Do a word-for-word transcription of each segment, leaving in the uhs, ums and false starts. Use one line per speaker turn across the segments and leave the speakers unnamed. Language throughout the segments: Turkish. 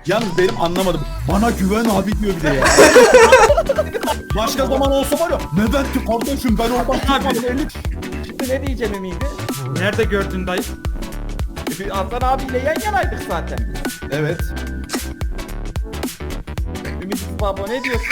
Yalnız benim anlamadım. Bana güven abi diyor bir de ya. Başka zaman olsa var ya. Neden ki kardeşim ben oradan çıkmadım elli.
Şimdi ne diyeceğim Ümidi?
Nerede gördün dayı?
Hasan abiyle yan yanaydık zaten.
Evet.
Ümidi Baba ne diyorsun?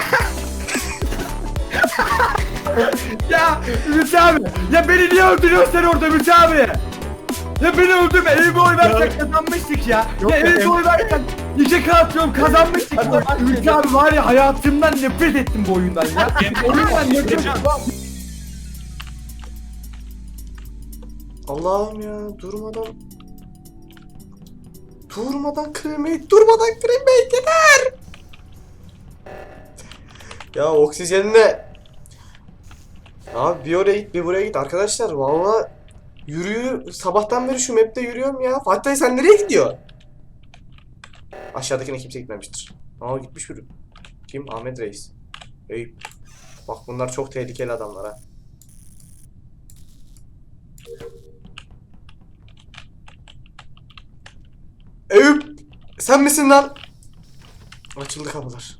Ya Ümit abi. Ya beni niye öldürüyorsun sen orada Ümit abi? Ya beni öldürme. Elime oy versek kazanmıştık ya.
Yok
ya
ya,
elime
em-
oy versek İşe kalkıyorum kazanmıştık.
Hadi bak
Ümit
dedim.
abi var ya hayatımdan nefret ettim bu oyundan ya. oyundan nefret ettim.
Allah'ım ya durmadan durmadan kremate durmadan kremate yeter. Ya oksijenle abi bir oraya git bir buraya git arkadaşlar valla yürüyor sabahtan beri şu map'te yürüyorum ya. Fatih sen nereye gidiyorsun? Aşağıdakine kimse gitmemiştir. Aa gitmiş biri. Kim? Ahmet Reis. Eyüp. Bak bunlar çok tehlikeli adamlar ha. Eyüp! Sen misin lan? Açıldı kapılar.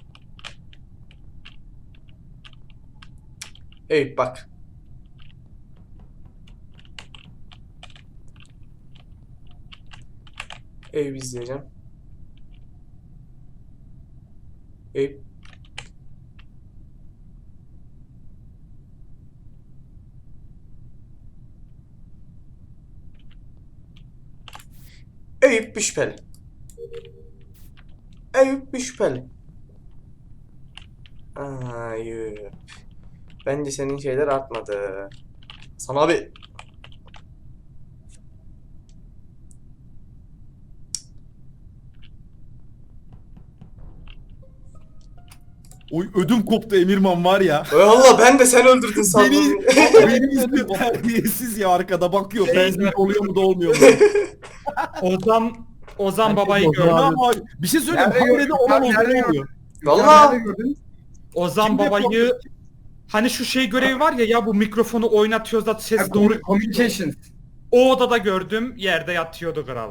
Eyüp bak. Eyüp izleyeceğim. Eyüp. Eyüp bir şüpheli. Eyüp bir şüpheli. Aa, Eyüp. Bence senin şeyler artmadı. Sana abi.
Oy ödüm koptu Emirman var ya.
Valla ben de sen öldürdün sandım.
Beni, beni izliyor terbiyesiz ya arkada bakıyor. Benzin oluyor mu da olmuyor mu?
Ozan Ozan babayı
Ozan
gördüm.
Ama bir şey söyleyeyim.
Nerede
Haberde
gördün?
olan
Nerede
oluyor.
gördün?
oluyor.
Valla.
Nerede gördün?
Ozan
Kimde
babayı hani şu şey görevi var ya ya bu mikrofonu oynatıyoruz da ses
Ha,
doğru.
Communications.
O odada gördüm. Yerde yatıyordu kral.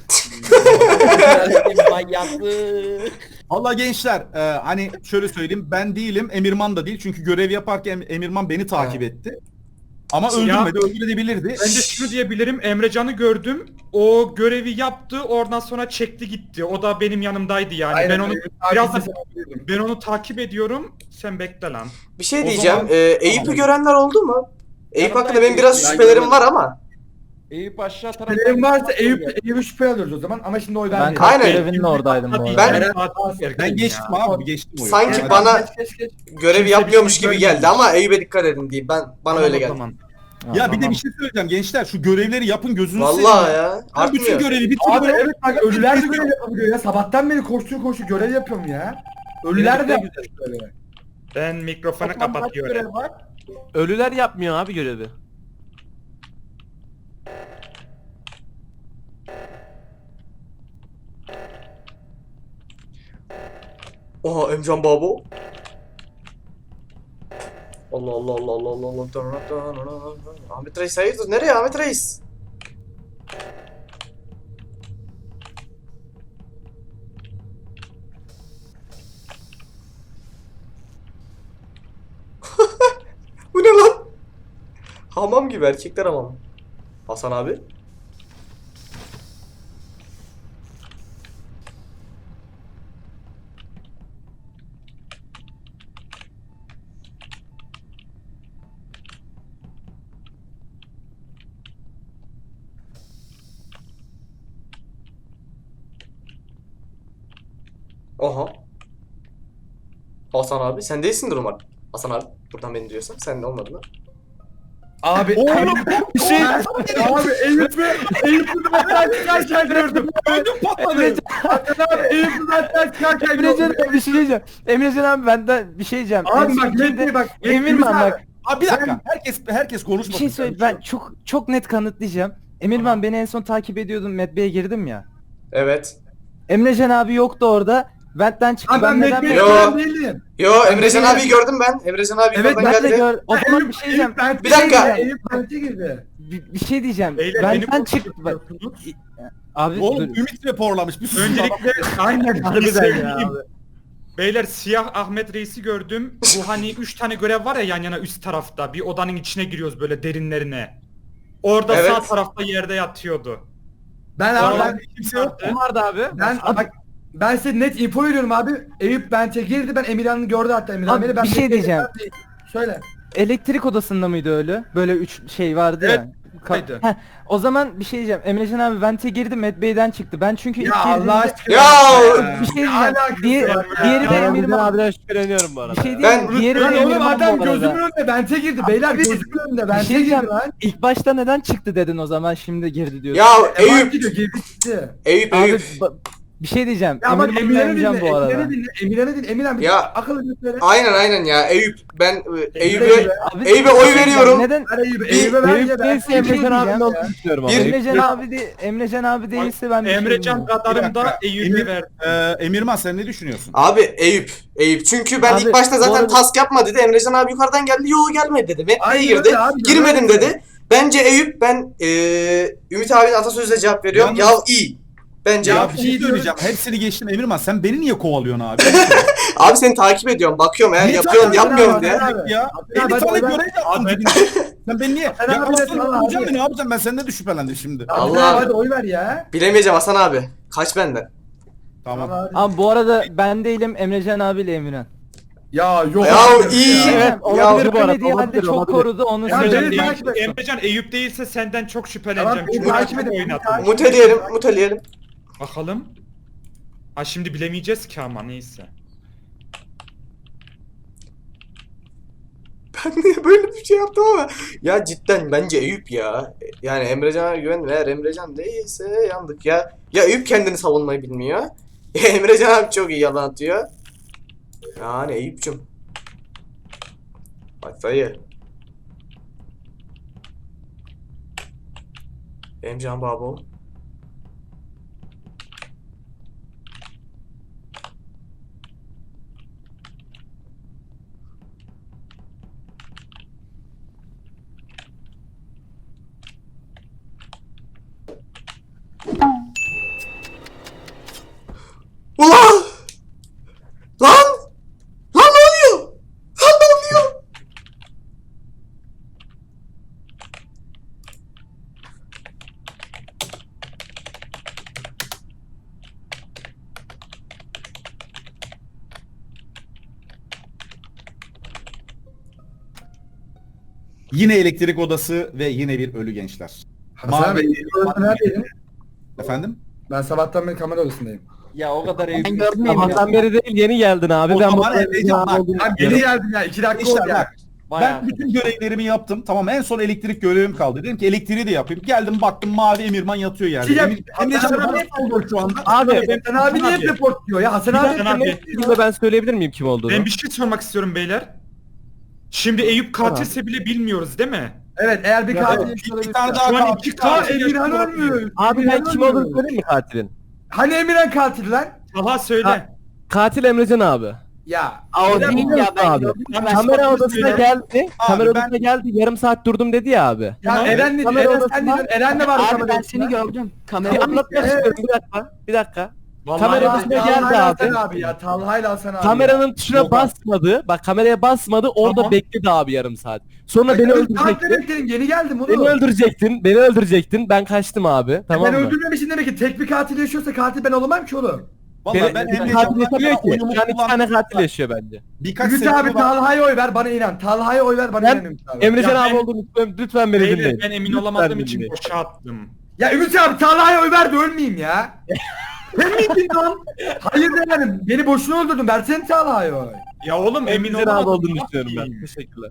Manyaklı.
Valla gençler e, hani şöyle söyleyeyim ben değilim Emirman da değil çünkü görev yaparken Emirman beni takip etti. Ama
Ya-
öldürmedi öldürebilirdi.
Ben de şunu diyebilirim. Emrecan'ı gördüm. O görevi yaptı. Oradan sonra çekti gitti. O da benim yanımdaydı yani.
Aynen,
ben onu
evet,
biraz da
takipçi sanabilirdim.
ben onu takip ediyorum. Sen bekle lan.
Bir şey
O
diyeceğim.
zaman-
Ee, Eyüp'ü
Tamam.
görenler oldu mu? Eyüp
Yanımda
hakkında benim
Eyüp,
biraz
ben
şüphelerim
gördüm.
var ama.
Eyüp aşağı tarafta.
Şüphelerim varsa Eyüp, Eyüp'ü şüphe alıyoruz o zaman ama şimdi oy
Ben
vermeyelim.
kalp
Aynen.
görevinin oradaydım bu arada.
Ben-
Ben,
Ben geçtim abi geçtim oyu.
Sanki
Yani-
bana-
Geç, geç, geç.
Görevi
Kimse
yapmıyormuş
bir şey
gibi
görmemiş.
geldi ama Eyüp'e dikkat edin diyeyim. Ben bana öyle geldi.
Ya bir de bir şey söyleyeceğim gençler şu görevleri yapın gözünüzü
Vallahi ya.
Ben bütün
Artmıyor.
görevi bir
Abi
türlü
evet bak ölüler de görev yapabiliyor ya. Sabahtan beri koştur koştur görev yapıyorum ya. Ölüler de yapıyor böyle.
Ben mikrofonu
Toplam kaç
kapatıyorum.
görev var?
Ölüler yapmıyor abi görevi.
Oha Emcan Babo. Allah Allah Allah Allah Allah Allah. Ahmet Reis hayırdır? Nereye Ahmet Reis? Bu ne lan? Hamam gibi erkekler hamam. Hasan abi. Aha. Hasan abi sen değilsindir umarım. Hasan abi buradan beni diyorsan sen de olmadın ha.
Abi
Oğlum
bir şey abi Eyüp'ü Eyüp'ü benden çıkarken gördüm.
ödüm patladı.
Hakan abi Eyüp'ü benden çıkarken
Emrecan
gördüm.
abi bir şey diyeceğim. Emrecan abi benden bir şey diyeceğim. En
Abi
son
bak
kimde-
Mehdi bak.
Emirman bak.
Abi bir dakika herkes herkes
Bir
konuşmasın.
şey söyle ben çok çok net kanıtlayacağım. Emirman beni en son takip ediyordum. Medbe'ye girdim ya.
Evet.
Emrecan abi yoktu orada. Vent'ten çıktı.
Abi ben
neden
Mehdi'ye
Yo.
gören değilim.
Yo Emrecan abi gördüm ben. Emrecan abi
Evet,
oradan
ben de
geldi.
gör. O zaman bir şey diyeceğim.
Eyüp
Bir dakika.
Eyüp Bent'e girdi.
Bir bir, bir şey diyeceğim.
Beyler beni
Benden çıktı. Bak,
korkutuyorsunuz.
abi
Oğlum
dur.
Ümit raporlamış. Bir sus.
Öncelikle aynen bir
Harbiden
söyleyeyim.
ya.
Beyler siyah Ahmet Reis'i gördüm. Bu hani üç tane görev var ya yan yana üst tarafta. Bir odanın içine giriyoruz böyle derinlerine. Orada
Evet.
sağ tarafta yerde yatıyordu.
Ben abi
Oradan
ben,
kimse yoktu.
Kim vardı abi?
ben bak ben size net info veriyorum abi. Eyüp bente girdi, ben Emirhan'ı gördü hatta Emirhan
Abi,
beni. Ben
bir şey
bekledim.
diyeceğim.
Söyle.
Elektrik odasında mıydı öyle? Böyle üç şey vardı
Evet,
ya. Ka-
oydu.
Heh, o zaman bir şey diyeceğim. Emrecan abi vente girdi, Medbay'den çıktı. Ben çünkü ilk
Ya Allah
girdiğimde
aşkına.
Ya
bir şey diyeceğim.
alakası
Diğer,
var ya?
diğeri de
Ben
Emirman.
abiden şüpheleniyorum bu arada.
Bir şey
Ben-
diyeyim. Diğeri de
Lan oğlum
Emirman
adam
bu arada.
gözümün önünde bente girdi. Beyler gözümün önünde
Bir
bente
şey
girdi
diyeceğim.
lan.
İlk başta neden çıktı dedin o zaman şimdi girdi diyorsun.
Ya
Eyüp
Eyüp,
gidiyor, girdi gitti.
Eyüp,
Abi
Eyüp.
ba- bir şey diyeceğim.
Ya bak
Emirman'ı
Emirhan'ı
beğeneceğim
dinle,
bu arada.
Emirhan'ı dinle, Emirhan'ı dinle, Emirhan bir
Ya.
akıllı bir söyle.
Aynen aynen ya Eyüp. Ben e, Eyüp'e
Eyüp'e-
Abi,
Eyüp'e oy
neden-
veriyorum.
Neden
Ver Eyüp'e,
Bir-
Eyüp'e ver
Eyüp
ya ben.
değilse
bir şey
Emrecan abinin
diyeceğim
olduğunu
ya.
düşünüyorum ama.
Bir-
Emrecan abi de Emrecan abi değilse ben bir şey
Emrecan
bilmiyorum.
kadarında
Bir dakika.
Eyüp'e
Emir-
verdim.
Ee, Emirman sen ne düşünüyorsun?
Abi Eyüp, Eyüp. Çünkü ben
Abi,
ilk başta
bu
zaten
arada-
task yapma dedi. Emrecan abi yukarıdan geldi. Yo gelmedi dedi. Metneye
Aynen
girdi.
öyle abi,
Girmedim
öyle.
dedi. Bence Eyüp, ben eee Ümit abinin atasözüyle cevap veriyorum.
Yalnız-
Ya iyi. Bence
Ya
Eyüp.
bir şey söyleyeceğim. Hepsini geçtim Emirman. Sen beni niye kovalıyorsun abi?
Abi seni takip ediyorum. Bakıyorum eğer
Niye
yapıyorsun
takip
yapmıyorum
ediyorsun
diye.
abi? Ya.
Ya
elli
ben-
tane
ben-
görev yaptın.
Abi-
dibinde. Sen beni niye?
Sen
Ya
abi
Hasan
de tamam
öldüreceğim
abi.
mi? Ne yapacağım? Ben senden de şüphelendim şimdi.
Allah.
Allah hadi oy ver ya.
Bilemeyeceğim Hasan abi. Kaç benden?
Tamam.
Tamam.
Ama bu arada ben değilim Emrecan abiyle Emirhan.
Ya yok.
Ya
abi.
iyi.
Bir şey
Evet,
diyeceğim,
ya-
olabilir
bu arada,
demediği halde
olabilir,
çok
olabilir.
korudu onu
Ya
söyleyeyim.
beni
Emrecan,
takip et.
Eyüp, Emrecan Eyüp değilse senden çok şüpheleneceğim.
Tamam, beni
Çünkü
takip
çok
edin, beni
oynadım.
takip-
Muteleyelim, muteleyelim.
Bakalım. Ha şimdi bilemeyeceğiz ki ama neyse.
Ben niye böyle bir şey yaptım ama. Ya cidden bence Eyüp ya. Yani Emrecan'a güven, eğer Emrecan değilse yandık ya. Ya Eyüp kendini savunmayı bilmiyor. Emrecan abi çok iyi yalan atıyor. Yani Eyüp'cüm. Bak dayı. Emrecan babo. Ulan! Lan! Lan ne oluyor? Lan ne oluyor?
Yine elektrik odası ve yine bir ölü gençler.
Hasan
Mavi-
abi, elektrik odasında neredeydin?
Efendim?
Ben sabahtan beri kamera odasındayım.
Ya o kadar
Ben gördüm Sabahtan beri değil yeni geldin abi.
O
ben
zaman
bu
Emrecan bak.
olduğunu
Abi
düşünüyorum.
geri geldim ya, iki dakika
İşte
oldu ya.
bak. Ben bütün görevlerimi yaptım. Tamam en son elektrik görevim kaldı. Dedim ki elektriği de yapayım. Geldim baktım mavi Emirman yatıyor yerde.
Şey yap-
Emir, Emrecan
Hasan
bana
abi-
oldu şu anda.
Abi
Hasan abi niye hep report diyor ya? Hasan
Bir
abi
dakika abi.
hep
Şimdi de ben söyleyebilir miyim kim olduğunu?
Ben bir şey sormak istiyorum beyler. Şimdi Eyüp katilse bile bilmiyoruz değil mi?
Evet, eğer bir
Ya,
katil
evet,
yaşıyor
bir tane
olabilir.
daha
Şu an
katil.
iki
Aa
katil
Emirhan
yaşıyor.
ölmüyor.
Abi ben
Emirhan
kim olduğunu
ölmüyor.
söyleyeyim mi katilin?
Hani Emirhan katil lan?
Aha söyle.
Ha, Katil Emrecan abi.
Ya.
Aa, o
Emirhan-
değil ya ben abi.
Tamam,
Kamera
söyle.
odasına geldi.
Abi
Kamera
ben-
odasına geldi. Yarım saat durdum dedi ya abi.
Ya
Tamam.
Eren ne
Kamera
Eren sen
odasında-
dedin. Eren de var
Abi
kamera
ben
odasında.
seni gördüm.
Bir
Kamera
anlatmak
Evet.
istiyorum bir dakika. Bir dakika.
Vallahi
Kamera
ya.
odasına
Ya,
geldi
Talha'yla
abi.
Hasan abi ya. Talha'yla Hasan abi.
Kameranın tuşuna
Yok abi.
basmadı. Bak kameraya basmadı. Orada
Tamam.
bekledi abi yarım saat. Sonra beni
Takip
öldürecektin.
bekledim, yeni geldim oğlum.
Beni öldürecektin. Beni öldürecektin. Ben kaçtım abi. Tamam
ben
mı?
öldürmemişim demek ki tek bir katil yaşıyorsa katil ben olamam ki oğlum.
Vallahi
Beni,
ben
ben katil
Emrecan'dan
yaşamıyor
yana
ki.
oyumu
Şu an iki tane
kullandım.
katil yaşıyor bence.
Birkaç
Ümit
sene
abi
sonra-
Talha'ya oy ver bana inan. Talha'ya oy ver bana
Ben-
inan Ümit abi.
Emrecan
Ya
abi
ben-
olduğunu lütfen, lütfen beni
Beyler
dinleyin.
ben emin
Lütfen
olamadığım için
dinleyin.
boşa attım.
Ya Ümit abi Talha'ya oy ver de ölmeyeyim ya. Sen miydin lan? Hayır yani beni boşuna öldürdün. Versene Talha'ya oy.
Ya oğlum emin
Emrecan abi
olamadım.
olduğunu
Ne
düşünüyorum ben.
yapayım?
Teşekkürler.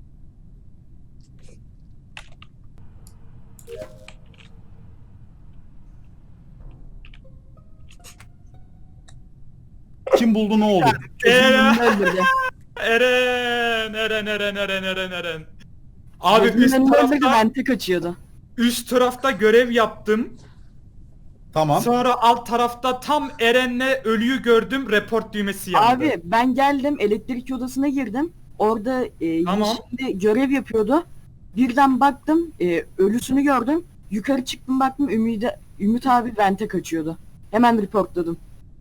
Kim buldu ne oldu?
Eren,
öldürdü.
Eren, Eren, Eren, Eren, Eren, Eren. Abi
Gözümün
üst
önünde öldürdü,
tarafta,
vente kaçıyordu.
üst tarafta görev yaptım.
Tamam.
Sonra alt tarafta tam Eren'le ölüyü gördüm. Report düğmesi yandı.
Abi ben geldim elektrik odasına girdim. Orada e,
Tamam.
yeşilde görev yapıyordu. Birden baktım e, ölüsünü gördüm. Yukarı çıktım baktım Ümit, Ümit abi vente kaçıyordu. Hemen reportladım.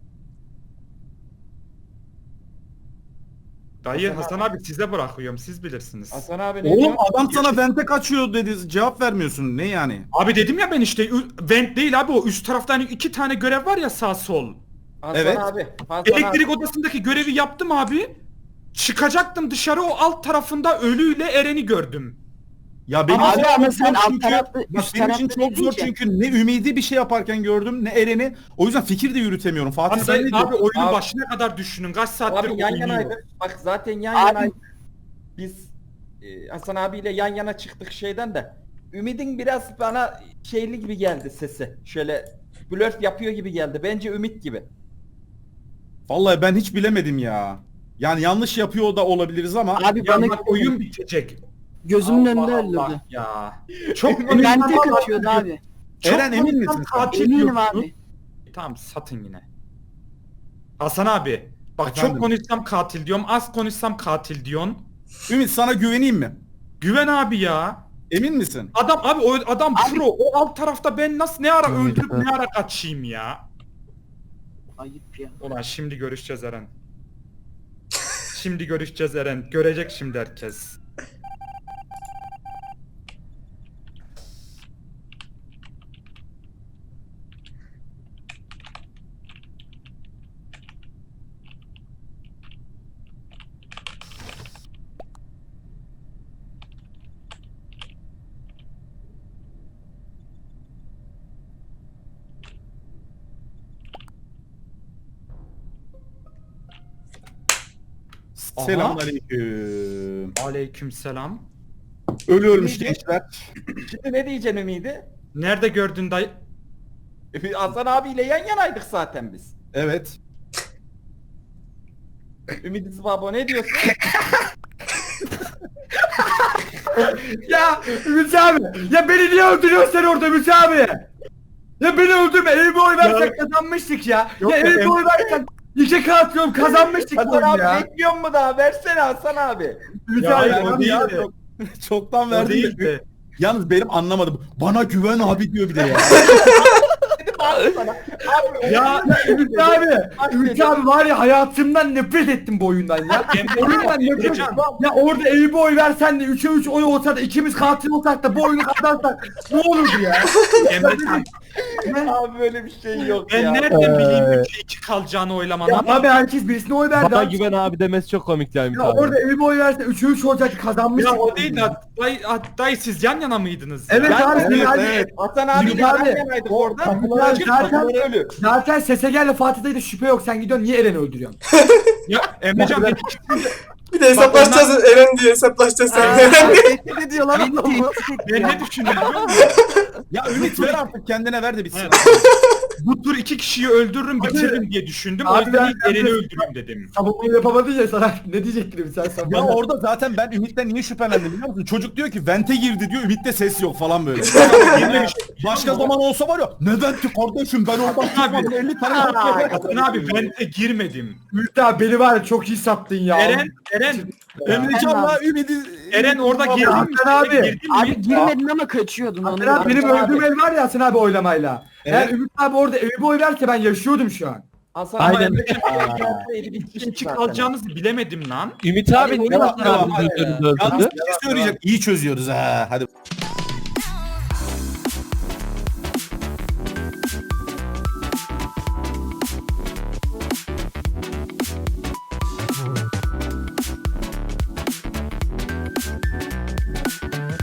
Dayı
Hasan
Hasan abi size bırakıyorum siz bilirsiniz.
Hasan abi ne
Oğlum
diyor?
adam sana vente kaçıyor dedi. Cevap vermiyorsun. Ne yani?
Abi dedim ya ben işte ü- vent değil abi o üst tarafta hani iki tane görev var ya sağ sol.
Hasan
Evet.
abi. Hasan
Elektrik
abi.
odasındaki görevi yaptım abi. Çıkacaktım dışarı o alt tarafında ölüyle Eren'i gördüm.
Ya benim
Abi
için
ama
çok
sen
zor
alt
çünkü,
tarafta,
bak
üst
benim için
tarafta
çok zor
dedin ki.
çünkü ne Ümidi bir şey yaparken gördüm ne Eren'i. O yüzden fikir de yürütemiyorum. Fatih
Abi,
sen
sen,
ne
abi
diyorsun?
oyunu
Abi-
başına kadar düşünün kaç saattir
Abi yan
oynuyor.
yanaydık. Bak zaten yan
Abi-
yanaydık. Biz e, Hasan abiyle yan yana çıktık şeyden de. Ümid'in biraz bana şeyli gibi geldi sesi. Şöyle blöf yapıyor gibi geldi. Bence Ümit gibi.
Vallahi ben hiç bilemedim ya. Yani yanlış yapıyor da olabiliriz ama
Abi
Ya
bana
bak oyun bitecek.
gözümün
Allah
önünde
Allah
öldürdü.
ya. Çok
Vente kaçıyordu abi.
Çok
Eren emin
konuşsam
misin sen?
katil
Eminim
diyorsun.
abi.
Tamam satın yine. Hasan abi. Bak
Efendim?
çok konuşsam katil diyorum. Az konuşsam katil diyorsun.
Ümit sana güveneyim mi?
Güven abi ya.
Emin misin?
Adam abi o adam
Abi-
pro. O alt tarafta ben nasıl ne ara
Evet,
öldürüp
evet.
ne ara kaçayım ya.
Ayıp ya.
Ulan şimdi görüşeceğiz Eren. Şimdi görüşeceğiz Eren. Görecek şimdi herkes. Aha.
Selamünaleyküm.
Aleykümselam.
Ölü ölmüş
Ümidi-
gençler.
Şimdi ne diyeceksin Ümid'i?
Nerede gördün dayı?
Hasan abiyle yan yanaydık zaten biz.
Evet.
Ümit Zıbabo ne diyorsun?
Ya Ümit abi. Ya beni niye öldürüyorsun sen orada Ümit abi? Ya beni öldürme. Elime oy versek kazanmıştık ya.
Yok
ya
be,
elime
em-
oy versek iki katıyorum kazanmıştık bu
Hasan
oyunu
abi
ya.
bekliyor mu daha? Versene Hasan abi.
Ümit
Ya
abi.
hayır, o
Tamam
değil
ya,
de.
çok- çoktan
O
verdim
değil
de.
de.
Yalnız benim anlamadım. Bana güven abi diyor bir de ya.
Dedim abi sana. Abi
Ya
Ümit abi. Ümit abi var ya hayatımdan nefret ettim bu oyundan ya. Oyundan nefret
Emrecan.
Ya orada elime oy versen de üçe üç oy olsa da ikimiz katil olsak da bu oyunu kazansak ne olurdu ya?
Emrecan,
abi böyle bir şey yok
ben
ya.
nereden bileyim üçe iki kalacağını oylamanı
Ya
ama
abi herkes birisine oy verdi.
Bana
abi.
güven abi demesi çok komik ya Ümit
Ya
abi.
orada elime oy versen üçe üç olacaktı kazanmıştık.
ya o değil de dayı, dayı siz yan yana mıydınız?
Evet
ya?
abi
Evet,
sen hadi.
evet.
Hasan abiyle
Ümit
yan
abi,
yanaydık orada.
kapılar
Çık
zaten-
kapıları ölü.
Zaten Sesegel'le Fatih'te de şüphe yok. Sen gidiyorsun niye Eren'i öldürüyorsun?
Ya Emrecan ben
Bir de hesaplaşacağız Eren diye hesaplaşacağız sen.
Ne diyor lan? Beni tehdit etti
ben
ya.
ne düşündüm biliyor musun?
Ya Ümit ver artık kendine ver de bitsin.
Evet. Bu tur iki kişiyi öldürürüm bitiririm diye düşündüm. O
Abi
yüzden
ben-
ilk Eren'i öldüreyim dedim.
Savunmayı yapamadın ya sana ne diyecektim sen
Ya
savunmayı?
orada zaten ben Ümit'ten niye şüphelendim biliyor musun? Çocuk diyor ki vente girdi diyor, Ümit'te ses yok falan böyle.
Girmemiş.
Başka zaman olsa var ya ne venti kardeşim ben oradan çıkmadım elli tane
Hasan abi ben de girmedim.
Ümit abi beni var ya çok iyi sattın ya.
Eren, Eren,
Emrecan'la Ümit'i...
Eren orada
Abi,
girdi mi?
Hasan abi.
Girdin mi?
Abi girmedin ama kaçıyordun onu.
Hasan abi benim
Hasan abi.
öldüğüm el var ya Hasan abi oylamayla. Eğer
Evet.
Ümit abi orada elime oy verse ben yaşıyordum şu an.
Hasan
Aynen.
abi gelseydi
İki
bitmiştik
iki
zaten.
kalacağınızı bilemedim lan.
Ümit abi niye
Devam,
Hasan
devam.
abi öldürdü?
Yalnız bir şey söyleyecek. İyi çözüyoruz ha. Hadi.